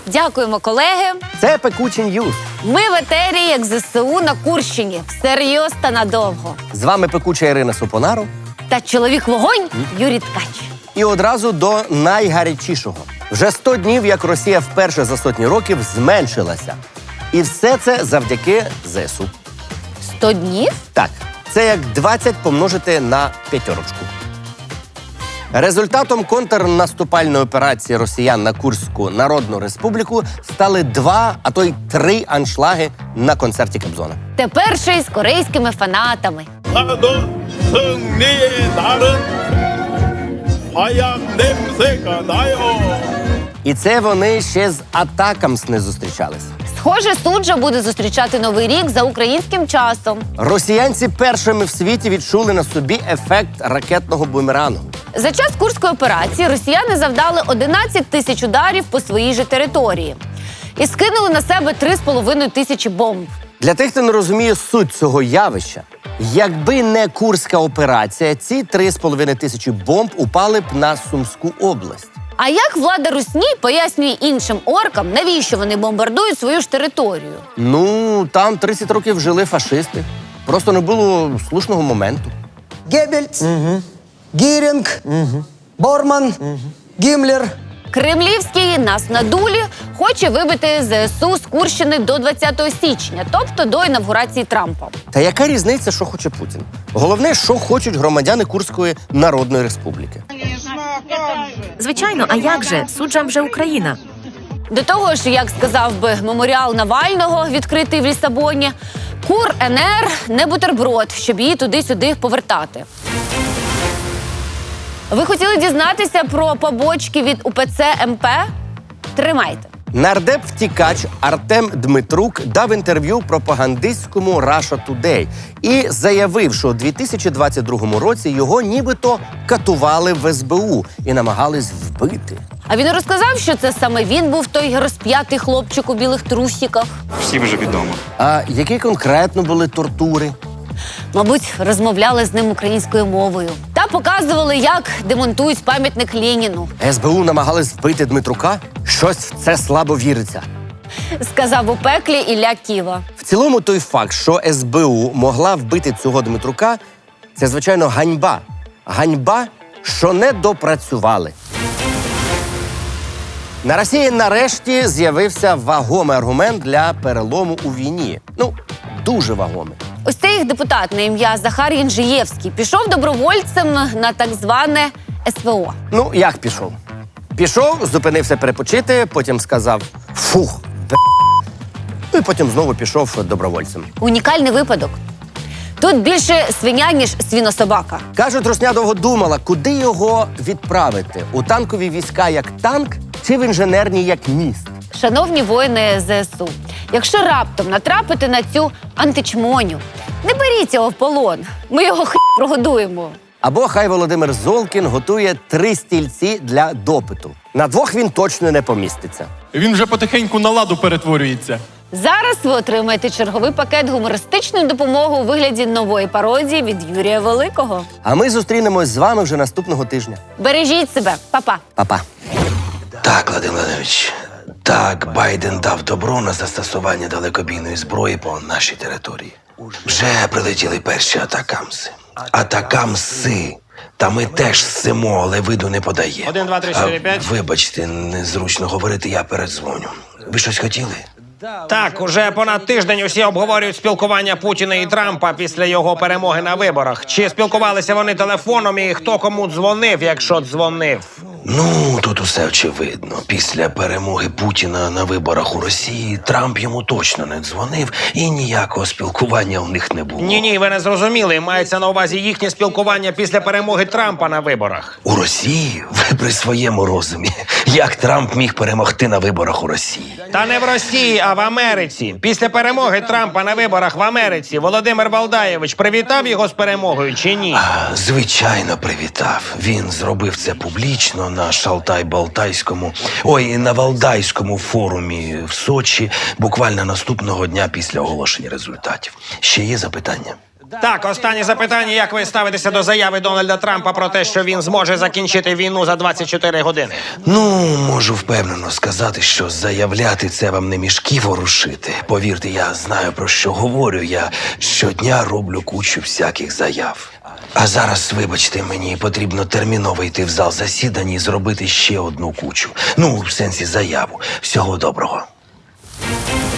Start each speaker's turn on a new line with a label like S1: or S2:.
S1: Дякуємо, колеги.
S2: Це Пекучі Ньюз.
S1: Ми в етері, як ЗСУ на Курщині. Всерйоз та надовго.
S2: З вами пекуча Ірина Супонару.
S1: Та чоловік-вогонь Юрій Ткач.
S2: І одразу до найгарячішого. Вже 100 днів, як Росія вперше за сотні років зменшилася. І все це завдяки ЗСУ.
S1: 100 днів?
S2: Так, це як 20 помножити на п'ятерочку. Результатом контрнаступальної операції росіян на Курську Народну Республіку стали 2, а то й 3 аншлаги на концерті Кобзона.
S1: Тепер ще й з корейськими фанатами.
S3: 나도 승리의 날은 하얀 냄새가 나요.
S2: І це вони ще з Атакамс не зустрічались.
S1: Схоже, суджа буде зустрічати Новий рік за українським часом.
S2: Росіянці першими в світі відчули на собі ефект ракетного бумерангу.
S1: За час Курської операції росіяни завдали 11 тисяч ударів по своїй же території. І скинули на себе 3,5 тисячі бомб.
S2: Для тих, хто не розуміє суть цього явища, якби не Курська операція, ці 3,5 тисячі бомб упали б на Сумську область.
S1: А як влада Русні пояснює іншим оркам, навіщо вони бомбардують свою ж територію?
S2: Ну, там 30 років жили фашисти. Просто не було слушного моменту.
S4: Геббельс, Гірінг, Борман, Гіммлер.
S1: Кремлівський нас на дулі хоче вибити ЗСУ з Курщини до 20 січня, тобто до інавгурації Трампа.
S2: Та яка різниця, що хоче Путін? Головне, що хочуть громадяни Курської Народної Республіки.
S5: Звичайно, а як же? Суджа вже Україна.
S1: До того ж, як сказав би меморіал Навального, відкритий в Лісабоні, Кур НР не бутерброд, щоб її туди-сюди повертати. Ви хотіли дізнатися про побочки від УПЦ МП? Тримайте.
S2: Нардеп-втікач Артем Дмитрук дав інтерв'ю пропагандистському Russia Today і заявив, що у 2022 році його нібито катували в СБУ і намагались вбити.
S1: А він розказав, що це саме він був той розп'ятий хлопчик у білих трусиках.
S6: Всім вже відомо.
S2: А які конкретно були тортури?
S1: Мабуть, розмовляли з ним українською мовою. Та показували, як демонтують пам'ятник Леніну.
S2: СБУ намагались вбити Дмитрука? Щось в це слабо віриться.
S1: Сказав у пеклі Ілля Ківа.
S2: В цілому той факт, що СБУ могла вбити цього Дмитрука, це, звичайно, ганьба. Ганьба, що не допрацювали. На Росії нарешті з'явився вагомий аргумент для перелому у війні. Ну, дуже вагомий.
S1: Ось цей їх депутат на ім'я Захар Янжиєвський пішов добровольцем на так зване СВО.
S2: Ну, як пішов? Пішов, зупинився перепочити, потім сказав «фух, б***». Ну і потім знову пішов добровольцем.
S1: Унікальний випадок. Тут більше свиня, ніж свінособака.
S2: Кажуть, Русня довго думала, куди його відправити. У танкові війська як танк чи в інженерні як міст?
S1: Шановні воїни ЗСУ, якщо раптом натрапите на цю античмоню, не беріть його в полон. Ми його прогодуємо.
S2: Або хай Володимир Золкін готує 3 стільці для допиту. На 2 він точно не поміститься.
S7: Він вже потихеньку на ладу перетворюється.
S1: Зараз ви отримаєте черговий пакет гумористичної допомоги у вигляді нової пародії від Юрія Великого.
S2: А ми зустрінемось з вами вже наступного тижня.
S1: Бережіть себе. Па-па.
S2: Па-па.
S8: Так, Владимир Владимирович, так, Байден дав добро на застосування далекобійної зброї по нашій території. Вже прилетіли перші атакамси. Атакамси. Та ми теж ссимо, але виду не подає.
S6: 1, 2, 3, 4, 5.
S8: Вибачте, незручно говорити, я передзвоню. Ви щось хотіли?
S9: Так, уже понад тиждень усі обговорюють спілкування Путіна і Трампа після його перемоги на виборах. Чи спілкувалися вони телефоном і хто кому дзвонив, якщо дзвонив?
S8: Ну, тут усе очевидно. Після перемоги Путіна на виборах у Росії Трамп йому точно не дзвонив і ніякого спілкування у них не було.
S9: Ні, ви не зрозуміли. Мається на увазі їхнє спілкування після перемоги Трампа на виборах.
S8: У Росії? Ви при своєму розумі. Як Трамп міг перемогти на виборах у Росії?
S9: Та не в Росії, а в Америці. Після перемоги Трампа на виборах в Америці Володимир Валдаєвич привітав його з перемогою чи ні?
S8: Звичайно, привітав. Він зробив це публічно на на Валдайському форумі в Сочі буквально наступного дня після оголошення результатів. Ще є запитання?
S9: Так, останнє запитання. Як ви ставитеся до заяви Дональда Трампа про те, що він зможе закінчити війну за 24 години?
S8: Ну, можу впевнено сказати, що заявляти це вам не мішки ворушити. Повірте, я знаю, про що говорю. Я щодня роблю кучу всяких заяв. А зараз, вибачте, мені потрібно терміново йти в зал засідань і зробити ще одну кучу. Ну, в сенсі заяву. Всього доброго.